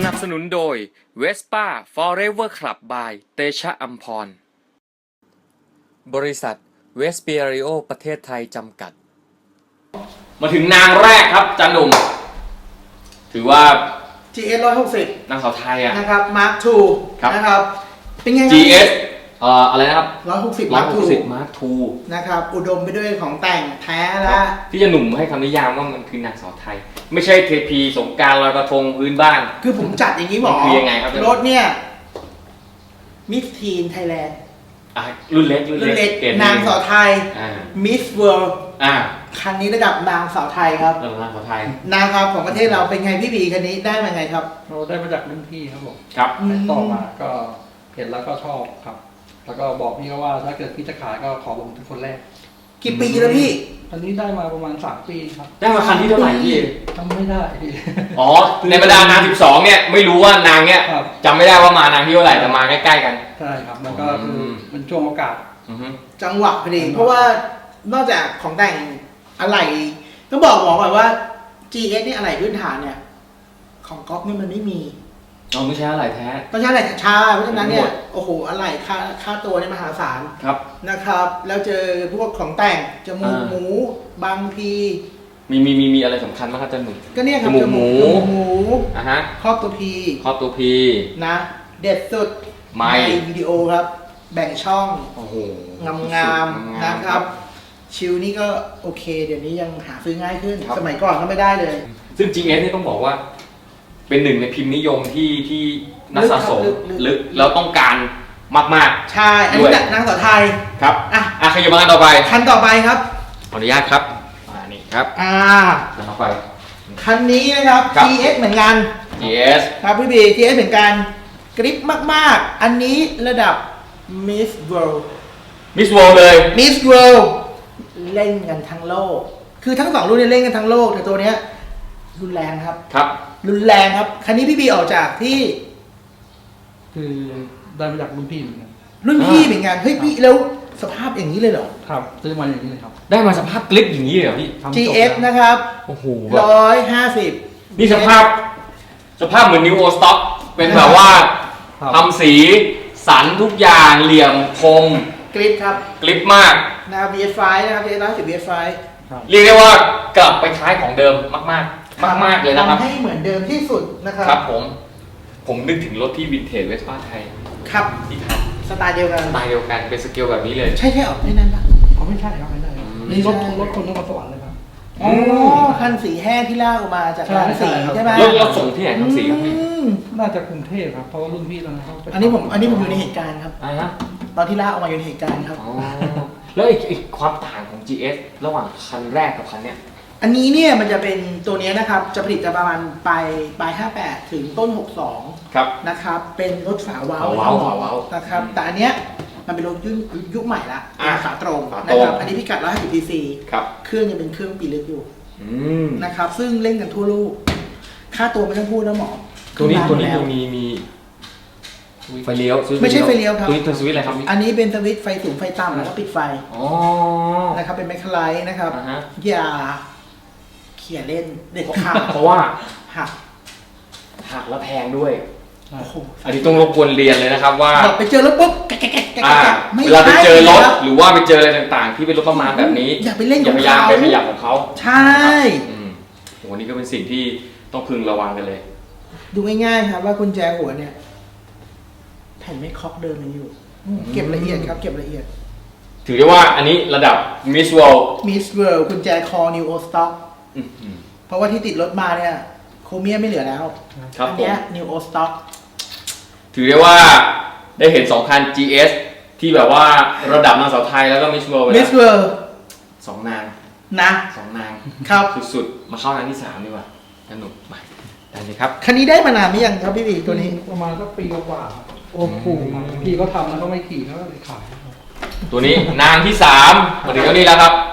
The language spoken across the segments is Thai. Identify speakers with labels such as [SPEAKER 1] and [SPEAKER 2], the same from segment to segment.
[SPEAKER 1] นับสนุนโดย Vespa Forever Club by เตชะอัมพรบริษัทเวสเปียริโอประเทศไทยจำกัดมาถึงนางแรกครับจันหนุ่มถือว่า
[SPEAKER 2] GS 160
[SPEAKER 1] นางสาวไทยอะ
[SPEAKER 2] นะครับ Mark II นะครับเป็นไง
[SPEAKER 1] GS อะไรนะครับ
[SPEAKER 2] 160 Mark II
[SPEAKER 1] Mark II
[SPEAKER 2] นะครับอุดมไปด้วยของแต่งแท้และ
[SPEAKER 1] ที่จะหนุ่มให้คำนิยามว่ามันคือนางสาวไทยไม่ใช่เทพีสงกรานต์ลอยกระทงพื้นบ้าน
[SPEAKER 2] คือผมจัดอย่างนี้หมอ
[SPEAKER 1] คือยังไงครับ
[SPEAKER 2] รถเนี่ยมิสทีนไทยแลนด์
[SPEAKER 1] รุ่นเล็ก
[SPEAKER 2] นางสาวไทยมิสเวิลด์คันนี้ระดับนางสาวไทยครับ
[SPEAKER 1] นางสาวไทย
[SPEAKER 2] นางครับของประเทศเราเป็นไงพี่บีคันนี้ได้มาไงครับ
[SPEAKER 3] เราได้มาจากรุ่นพี่ครับผม
[SPEAKER 1] ครับ
[SPEAKER 3] ต่อมาก็เห็นแล้วก็ชอบครับแล้วก็บอกพี่เขาว่าถ้าเกิดพี่จะขายก็ขอผมเป็นคนแรก
[SPEAKER 2] กี่ปีแล้วพี่
[SPEAKER 3] อันนี้ได้มาประมาณ3 ปีครับ
[SPEAKER 1] ได้มาคันที่เท่าไหร่พี่
[SPEAKER 3] จำไม่ได้พี่
[SPEAKER 1] อ๋อในบรรดานาง12เนี่ยไม่รู้ว่านางเนี่ยจำไม่ได้ว่ามานางที่เท่าไหร่แต่มาใกล้ๆกัน
[SPEAKER 3] ใช่ครับแล้วก็คือเป็นช่วงโอกาส
[SPEAKER 2] จังหวะพอดีเพราะว่านอกจากของแต่งอะไรต้องบอกก่อนว่า GS นี่อะไรพื้นฐานเนี่ยของก๊อฟนี่มันไม่มี
[SPEAKER 1] ไม่ใช่อะไรแท้
[SPEAKER 2] ต้องใช้อะไรชาเพราะฉะนั้นเนี่ยโอ้โหอะไรค่าตัวเนี่ยมหาศาล
[SPEAKER 1] ครับ
[SPEAKER 2] นะครับแล้วเจอพวกของแต่งจมูกหมูบางพี
[SPEAKER 1] มีอะไรสำคัญบ้างครับจันหนุ่ม
[SPEAKER 2] ก็เนี่ยครับจมูกหมูครอบตัวพีนะเด็ดสุด
[SPEAKER 1] ไม่
[SPEAKER 2] วิดีโอครับแบ่งช่องงามนะครับชิลนี่ก็โอเคเดี๋ยวนี้ยังหาซื้อง่ายขึ้นสมัยก่อนก็ไม่ได้เลย
[SPEAKER 1] ซึ่ง GS นี่ต้องบอกว่าเป็นหนึ่งในพิมพ์นิยมที่นักสะสมลึกแล้วต้องการมาก
[SPEAKER 2] ๆใช่อันนี้นางสาวไทย
[SPEAKER 1] ครับขยับมากันต่อไป
[SPEAKER 2] คันต่อไปครับ
[SPEAKER 1] ขออนุญาตครับนี่ครับต่อไป
[SPEAKER 2] คันนี้นะครับ GS เหมือนกัน
[SPEAKER 1] GS
[SPEAKER 2] ครับพี่บี GS เหมือนกันกริปมากๆอันนี้ระดับ Miss World
[SPEAKER 1] เลย
[SPEAKER 2] Miss World เล่นกันทั้งโลกคือทั้ง2รุ่นเนี่ยเล่นกันทั้งโลกแต่ตัวเนี้ยรุนแรงครับรุนแรงครับคันนี้พี่บีออกจากที่
[SPEAKER 3] คือได้มาจากรุ่นพี่เหมือนกัน
[SPEAKER 2] เฮ้ยพี่แล้วสภาพอย่างนี้เลยเหรอ
[SPEAKER 3] ครับซื้อมาอย่างนี้เลยครับ
[SPEAKER 1] ได้มาสภาพกลิปอย่างนี้เลยเหรอพี่
[SPEAKER 2] GS นะครับ
[SPEAKER 1] โอ้โห
[SPEAKER 2] 150
[SPEAKER 1] นี่สภาพเหมือน New Old Stock เป็นแบบว่าทำสีสันทุกอย่างเหลี่ยมคม
[SPEAKER 2] กริปครับ
[SPEAKER 1] กลิปมาก
[SPEAKER 2] นะครับ VS5 นะครับ VS5
[SPEAKER 1] เรียกได้ว่ากลับไปคล้ายของเดิมมากเลยนะครับ
[SPEAKER 2] ทำให้เหมือนเดิมที่สุดนะครับ
[SPEAKER 1] ครับผมนึกถึงรถที่วินเทจเวสป้าไทย
[SPEAKER 2] ครับ
[SPEAKER 1] ที่ท
[SPEAKER 2] ำสไตล์เดียวกัน
[SPEAKER 1] เป็นสเกลแบบนี้เลย
[SPEAKER 2] ใช่ออกไม่นั่นปะ
[SPEAKER 3] เขาไม่ใช่ครับไม่ได้นี่รถคนนครสวรรค์เลยครับ
[SPEAKER 2] อ๋อคันสีแห้งที่ลากออกมาจากร้านสีใช่ไหม
[SPEAKER 1] รถส่งที่ไหนคันสีครับพี่
[SPEAKER 3] น่าจะกรุงเทพครับเพราะว่ารุ่นพี่ตอนนั้นเขา
[SPEAKER 2] อันนี้ผมอยู่ในเหตุการณ์ครับตอนที่ลากออกมาอยู่ในเหตุการณ์ครับ
[SPEAKER 1] แล้วอีกความต่างของ GS ระหว่างคันแรกกับคันเนี้ย
[SPEAKER 2] อันนี้เนี่ยมันจะเป็นตัวนี้นะครับจะผลิตประมาณปลาย58ถึงต้น62
[SPEAKER 1] ครับ
[SPEAKER 2] นะครับเป็นรถฝาวาล์วนะครับแต่อันเนี้ยมันเป็นรถยุคใหม่ละฝาตรงนะครับอันนี้พิกัด150 cc เครื่องยังเป็นเครื่องปีเล็กอยู่นะครับซึ่งเล่นกันทั่วโลกค่าตัวไม่ต้องพูดนะหมอ
[SPEAKER 1] ตัวนี้มีไฟเลี้ยว
[SPEAKER 2] ไม่ใช่ไฟเลี้ยวครับ
[SPEAKER 1] ตัวนี้เป็นสวิตช์อะไรครับ
[SPEAKER 2] อันนี้เป็นสวิตช์ไฟสูงไฟต่ำแล้วก็ปิดไฟนะครับเป็นแมคคาไลท์นะครับอย่าเขี่ยเล่นเด็ดขาด
[SPEAKER 1] เพราะว่า
[SPEAKER 2] หัก
[SPEAKER 1] แล้วแพงด้วยอันนี้ต้องรบกวนเรียนเลยนะครับว่า
[SPEAKER 2] ไปเจอรถปุ๊บ
[SPEAKER 1] เวลาไปเจอรถหรือว่าไปเจออะไรต่างๆที่เป็นรถประมาณแบบนี้
[SPEAKER 2] อย่าไปเล่น
[SPEAKER 1] อย่าพยายามไปขยับของเขา
[SPEAKER 2] ใช่
[SPEAKER 1] วันนี้ก็เป็นสิ่งที่ต้องพึงระวังกันเลย
[SPEAKER 2] ดูง่ายๆครับว่ากุญแจหัวเนี่ยแผ่นไม่ค็อกเดิมยังอยู่เก็บละเอียดครับเก็บละเอียด
[SPEAKER 1] ถือได้ว่าอันนี้ระดับ Miss World
[SPEAKER 2] กุญแจคอ New Old Stock เพราะว่าที่ติดรถมาเนี่ยโครเมียมไม่เหลือแล้วอันนี้ New Old Stock
[SPEAKER 1] ถือได้ว่าได้เห็น2คัน GS ที่แบบว่าระดับนางสาวไทยแล้วก็ Miss World 2 นาง2 นาง
[SPEAKER 2] ครับ
[SPEAKER 1] สุดๆมาเข้านางที่3ดีกว่าสนุกไปได้เลยครับ
[SPEAKER 2] คันนี้ได้มานานหรือยังครับพี่บีตัวนี้
[SPEAKER 3] ประมาณสักปีกว่าโอ้โหพี่เขาทำแล้วก็ไม่ขี่เขาเลยขาย
[SPEAKER 1] ตัวนี้นางที่3มาถึงตัวนี้แล้วครับ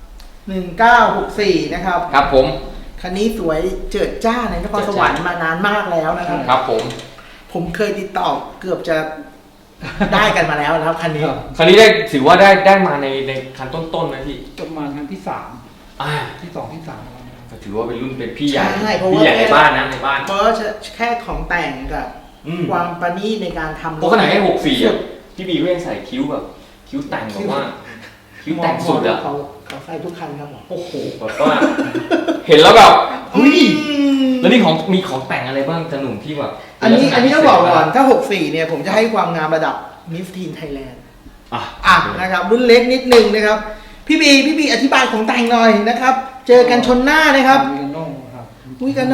[SPEAKER 2] 1964นะครับ
[SPEAKER 1] ครับผม
[SPEAKER 2] คันนี้สวยเจิดจ้าในนครสวรรค์มานานมากแล้วนะครับ
[SPEAKER 1] ครับ
[SPEAKER 2] ผมเคยติดต่อเกือบจะได้กันมาแล้วนะครับคันนี้
[SPEAKER 1] ได้ถือว่าได้มาในคันต้นๆนะพี่
[SPEAKER 3] ประมาณคันที่3ที่2ที่3
[SPEAKER 1] ก็ถือว่าเป็นรุ่นเป็นพี่ใหญ่
[SPEAKER 2] ใช่เพราะว่า
[SPEAKER 1] พี่ใหญ่ในบ้านนะในบ้าน
[SPEAKER 2] เพราะว่าแค่ของแต่งกับความประณีตในการทำ
[SPEAKER 1] เพราะขนาดแค่64อ่ะพี่บีก็ยังใส่คิ้วแบบคิ้วแต่งแบบว่าคิ้วแต่งสุดอ่ะ
[SPEAKER 2] เขาใส่ทุกคันครับผม
[SPEAKER 1] โอ้โหแบบว่าเห็นแล้วแบบเฮ้ยแล้วนี่มีของแต่งอะไรบ้างจะหนุ่มที่แบบ
[SPEAKER 2] อันนี้ต้องบอกก่อนถ้า64เนี่ยผมจะให้ความงามระดับมิสทีนไทยแลนด์นะครับรุ่นเล็กนิดนึงนะครับพี่บีอธิบายของแต่งหน่อยนะครับเจอกันชนหน้านะครับ
[SPEAKER 3] วิกาโน่ครับ
[SPEAKER 2] วิกาโน่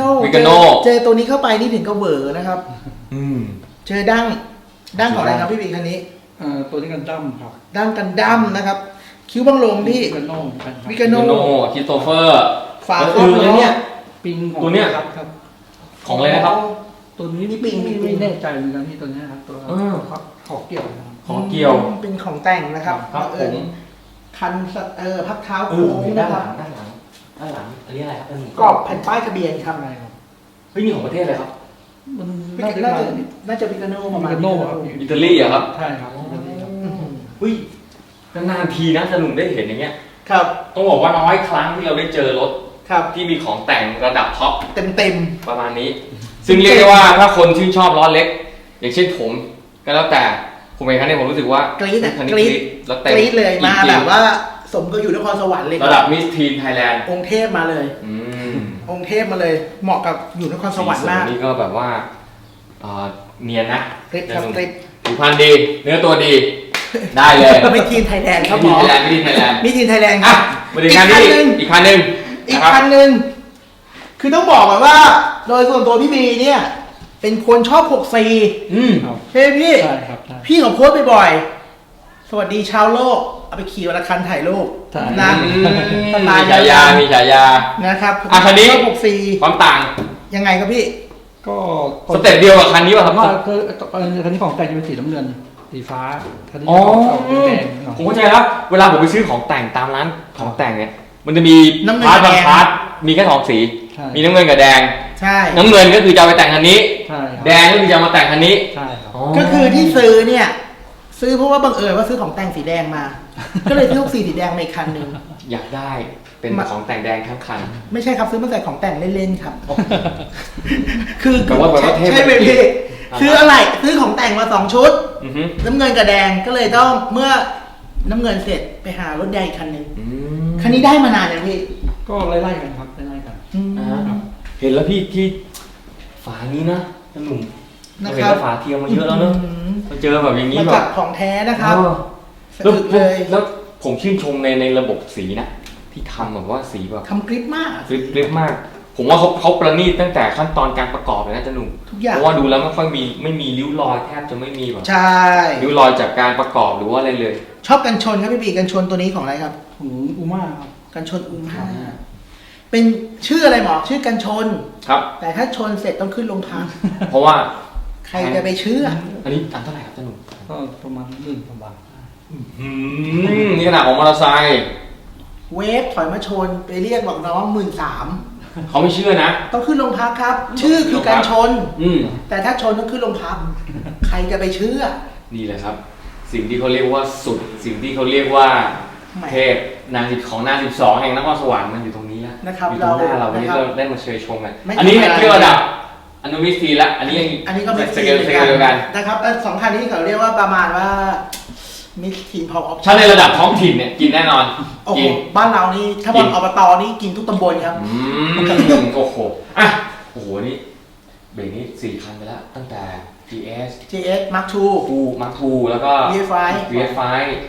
[SPEAKER 2] เจอตัวนี้เข้าไปนี่ถึงกับเวอร์นะครับเจอดั้งของอะไรครับพี่บีคันนี้
[SPEAKER 3] ตัวนี้กันดั้มครับ
[SPEAKER 2] ดั้งกันดั้มนะครับคิ้วบังลมที่
[SPEAKER 3] วิกาโน่ครับ
[SPEAKER 2] วิกาโน่
[SPEAKER 1] คริสโตเฟอร์
[SPEAKER 2] ฝาครอบแล้วเนี่ย
[SPEAKER 3] ปิงของ
[SPEAKER 1] ตัวเนี้ย
[SPEAKER 3] ครับ
[SPEAKER 1] ของอะไรนะครับ
[SPEAKER 3] ตัวนี้
[SPEAKER 2] มีปิง
[SPEAKER 3] ไม่แน่ใจเหมือนกันที่ตัวเนี้ยครับตัวขอเกี่ยวนะครับ
[SPEAKER 1] ของเกี่ยว
[SPEAKER 2] เป็นของแต่งนะครับ
[SPEAKER 1] ครับผม
[SPEAKER 2] คันพักเท้าโค้งนะครับ
[SPEAKER 1] ด้านหลังอันนี้อะไรครับอันนี้
[SPEAKER 2] กรอบแผ่นป้ายทะเบียนครับ
[SPEAKER 3] อะไรครับ
[SPEAKER 1] เฮ้ยนี่ของประเทศอะไรครับ
[SPEAKER 3] มัน
[SPEAKER 2] น่าจะวิกาโน่ประมาณ
[SPEAKER 3] วิกาโน่ครับ
[SPEAKER 1] อิตาลีอะครับ
[SPEAKER 3] ใช่ครับอิตาลีครับ
[SPEAKER 1] เฮ้ยนานๆทีนะจะหนุ่มได้เห็นอย่างเงี้ย
[SPEAKER 2] ครับ
[SPEAKER 1] ต้องบอกว่าน้อยครั้งที่เราได้เจอรถ
[SPEAKER 2] ครับ
[SPEAKER 1] ที่มีของแต่งระดับท็อป
[SPEAKER 2] เต็ม
[SPEAKER 1] ประมาณนี้ ซึ่งเรียกได้ว่าถ้าคนชื่นชอบล้อเล็ก อย่างเช่นผมก็แล้วแต่ผมเองครั้งนี้ผมรู้สึกว่าก
[SPEAKER 2] รี๊ดอะ
[SPEAKER 1] คันนี้
[SPEAKER 2] กรี๊ด
[SPEAKER 1] แล้ว
[SPEAKER 2] ๆ
[SPEAKER 1] เต็
[SPEAKER 2] กรี๊ดเลยมา
[SPEAKER 1] จริงๆ
[SPEAKER 2] แบบว่าสมก็อยู่นครสวรรค์เลย
[SPEAKER 1] ระดับมิสทีนไทยแลนด์
[SPEAKER 2] องค์เทพมาเลย องค์เทพมาเลย เหมาะกับอยู่นครสวรรค์มาก
[SPEAKER 1] นี่ก็แบบว่าเนียนนะ
[SPEAKER 2] กริ๊ดครับกริ๊ด
[SPEAKER 1] ผิวพรรณดี เนื้อตัวดี ได้เลย
[SPEAKER 2] ไม่ทีมไทยแลนด์ครับหม
[SPEAKER 1] มิส
[SPEAKER 2] อ
[SPEAKER 1] ทีนไทยแลนด์มิสทีนไทยแลนด์
[SPEAKER 2] มิทีมไทยแลนด์ค
[SPEAKER 1] อ่ะ
[SPEAKER 2] รับ
[SPEAKER 1] มาถึงงานนี้อีกคันหนึ่ง
[SPEAKER 2] อีก
[SPEAKER 1] นะครับ
[SPEAKER 2] คันหนึ่งคือต้องบอกก่อนว่า โดยส่วนตัวพี่บีเนี่ย เป็นคนชอบ64
[SPEAKER 3] ครับ
[SPEAKER 2] เฮ้ยพี่
[SPEAKER 3] ใช่ครับใช่
[SPEAKER 2] พี่ของโพสต์บ่อยๆสวัสดีชาวโลก เอาไปขี่วันละคันถ่ายรูป
[SPEAKER 3] ใช่
[SPEAKER 2] นะ
[SPEAKER 1] มีฉายา มีฉายา
[SPEAKER 2] นะครับ
[SPEAKER 1] อ่ะคันนี้
[SPEAKER 2] ชอบ64
[SPEAKER 1] ความต่าง
[SPEAKER 2] ยังไงครับพี่
[SPEAKER 3] ก็
[SPEAKER 1] สเต็ปเดียวกับคันนี้ป่ะครับ
[SPEAKER 3] ว่าคือคันนี้ของแต่งจะเป็นสีน้ำเงินสีฟ้าคันนี้
[SPEAKER 1] อ๋อ
[SPEAKER 3] ของเก่าเป็นแดงหน่อย
[SPEAKER 1] ผมเข้าใจแล้วเวลาผมไปซื้อของแต่งตามร้านของแต่งเนี่ย มันจะมี
[SPEAKER 2] น้ำเงิน
[SPEAKER 1] พาร์ท
[SPEAKER 2] กับ
[SPEAKER 1] บาง
[SPEAKER 2] แดง
[SPEAKER 1] พาร์ทมีแค่สองสี
[SPEAKER 3] ใช่
[SPEAKER 1] มีน้ำเงินกับแดง
[SPEAKER 2] ใช่
[SPEAKER 1] น้ำเงินก็คือจะเอาไปแต่งคันนี้
[SPEAKER 3] ใช่ครับ
[SPEAKER 1] แดงก็คือจะเอามาแต่งคันนี้
[SPEAKER 3] ใช่ครับ
[SPEAKER 2] ก็คือที่ซื้อเนี่ย ซื้อเพราะว่าบังเอิญว่าซื้อของแต่งสีแดงมา ก็เลยซื้อสีแดงมาอีกคันหนึ่ง
[SPEAKER 1] อยากได้เป็นของแต่งแดงทั้งคัน
[SPEAKER 2] ไม่ใช่ครับซื้อมาใส่ของแต่งเล่นๆครับ คือ
[SPEAKER 1] แต่ว่าแบบว่าเทพ
[SPEAKER 2] ใช่ไหมพี่
[SPEAKER 1] อ่าฮะ
[SPEAKER 2] ซื้ออะไรซื้อของแต่งมา2 ชุด
[SPEAKER 1] อือฮึ
[SPEAKER 2] น้ำเงินกับแดงก็เลยต้องเมื่อน้ำเงินเสร็จไปหารถแดงอีกคันหนึ่ง
[SPEAKER 1] อืม
[SPEAKER 2] คันนี้ได้มานานยังพี่
[SPEAKER 3] ก็ไล่ๆกันครับไล่ๆกัน
[SPEAKER 1] อ่าเห็นแล้วพี่ที่ฝานี้นะหนุ่ม
[SPEAKER 2] นะ
[SPEAKER 1] เรา
[SPEAKER 2] ค
[SPEAKER 1] เห็น
[SPEAKER 2] รับ
[SPEAKER 1] แล้วฝาเทียมมาเยอะแล้วเนอะมาเจอแบบอย่างนี้
[SPEAKER 2] มา
[SPEAKER 1] แบ
[SPEAKER 2] จั
[SPEAKER 1] บ
[SPEAKER 2] บของแท้นะครับ
[SPEAKER 1] เออ
[SPEAKER 2] สะอึกเลย
[SPEAKER 1] แล้วผมชื่นชมในระบบสีนะ ที่ทำแบบว่าสีแบบ
[SPEAKER 2] ทำกริปมาก
[SPEAKER 1] กริบมาก ผมว่าเขาประณีตตั้งแต่ขั้นตอนการประกอบเลยนะจ๊ะหนุ่ม
[SPEAKER 2] ทุกอย่าง
[SPEAKER 1] เพราะว่าดูแล้วไม่มีริ้วรอยแทบจะไม่มีแบบ
[SPEAKER 2] ใช่
[SPEAKER 1] ริ้วรอยจากการประกอบหรือว่าอะไรเลย
[SPEAKER 2] ชอบกันชนครับพี่บีกันชนตัวนี้ของอะไรครับ
[SPEAKER 3] ของอูม่าครับ
[SPEAKER 2] กันชนอุ้มห้าเป็นชื่ออะไรหมอชื่อกันชน
[SPEAKER 1] ครับ
[SPEAKER 2] แต่ถ้าชนเสร็จต้องขึ้นโรงพัก
[SPEAKER 1] เพราะว่า
[SPEAKER 2] ใครจะไปเชื่อ
[SPEAKER 1] อันนี้อันเท่าไหร่ครับจ๊ะหนุ่ม
[SPEAKER 3] ก็ประมาณ1,000 กว่าบาท
[SPEAKER 1] นี่ขนาดของมอเตอร์ไซค์
[SPEAKER 2] เวฟถอยมาชนไปเรียกบอกน้อง13,000
[SPEAKER 1] เขาไม่เชื่อนะ
[SPEAKER 2] ต้องขึ้นโรงพักครับ ชื่อคือการชน
[SPEAKER 1] อืม
[SPEAKER 2] แต่ถ้าชนต้องขึ้นโรงพัก ใครจะไปเชื่อ
[SPEAKER 1] นี่แหละครับ สิ่งที่เขาเรียกว่าสุด สิ่งที่เขาเรียกว่า
[SPEAKER 2] แหม
[SPEAKER 1] เทพของนาง12แห่งนครสวรรค์มันอยู่ตรงนี้แล้ว
[SPEAKER 2] นะครับ
[SPEAKER 1] อยู่ตรงหน้าเราวันนี้
[SPEAKER 2] นะครับ
[SPEAKER 1] เราได้มาเชยชมกัน
[SPEAKER 2] ไม่
[SPEAKER 1] อันนี้
[SPEAKER 2] ธรรมดา
[SPEAKER 1] เทียบระดับอนุมิสทีละอันนี้ยัง
[SPEAKER 2] อันนี้ก็มิส
[SPEAKER 1] ส
[SPEAKER 2] ที
[SPEAKER 1] เกล
[SPEAKER 2] น
[SPEAKER 1] เดียวกัน
[SPEAKER 2] นะครับแล้วสองคันนี้เขาเรียกว่าประมาณว่ามิสทีนพอออป
[SPEAKER 1] ถ้าในระดับท้องถิ่นเนี่ยกินแน่นอน
[SPEAKER 2] โอ้โห
[SPEAKER 1] กิน
[SPEAKER 2] บ้านเรานี่ถ้าบอลอบตนี่กินทุกตำบลครับ
[SPEAKER 1] โอ้โหอ่ะโอ้โหนี่เบรกนี้4 คันไปแล้ว ตั้งแต่ GS
[SPEAKER 2] GS Mark II
[SPEAKER 1] ทูมาร์คทูแล้วก็
[SPEAKER 2] VF5
[SPEAKER 1] VF5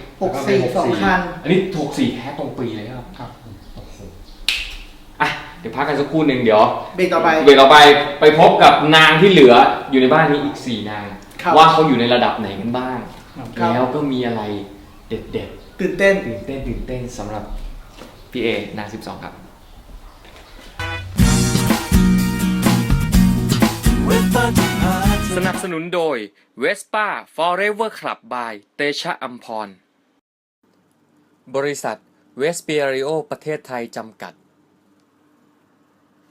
[SPEAKER 2] 64 2 คัน
[SPEAKER 1] อันนี้64แท้ตรงปีเลยครับครับโอ้โหอ่ะเดี๋ยวพักกันสักครู่หนึ่งเดี๋ยว
[SPEAKER 2] เบรกต่อไป
[SPEAKER 1] เบรกต่อไปไปพบกับนางที่เหลืออยู่ในบ้านนี้อีก4 นาง
[SPEAKER 2] ครับ
[SPEAKER 1] ว่าเขาอยู่ในระดับไหนกันบ้าง
[SPEAKER 2] ครับ
[SPEAKER 1] แล้วก็มีอะไรเด็ด
[SPEAKER 2] ตื่นเต้น
[SPEAKER 1] ๆตื่นเต้นสำหรับพี่เอนาง12 ครับ สนับสนุนโดย Vespa Forever Club by เตชะอัมพร บริษัทเวสเปียริโอประเทศไทยจำกัด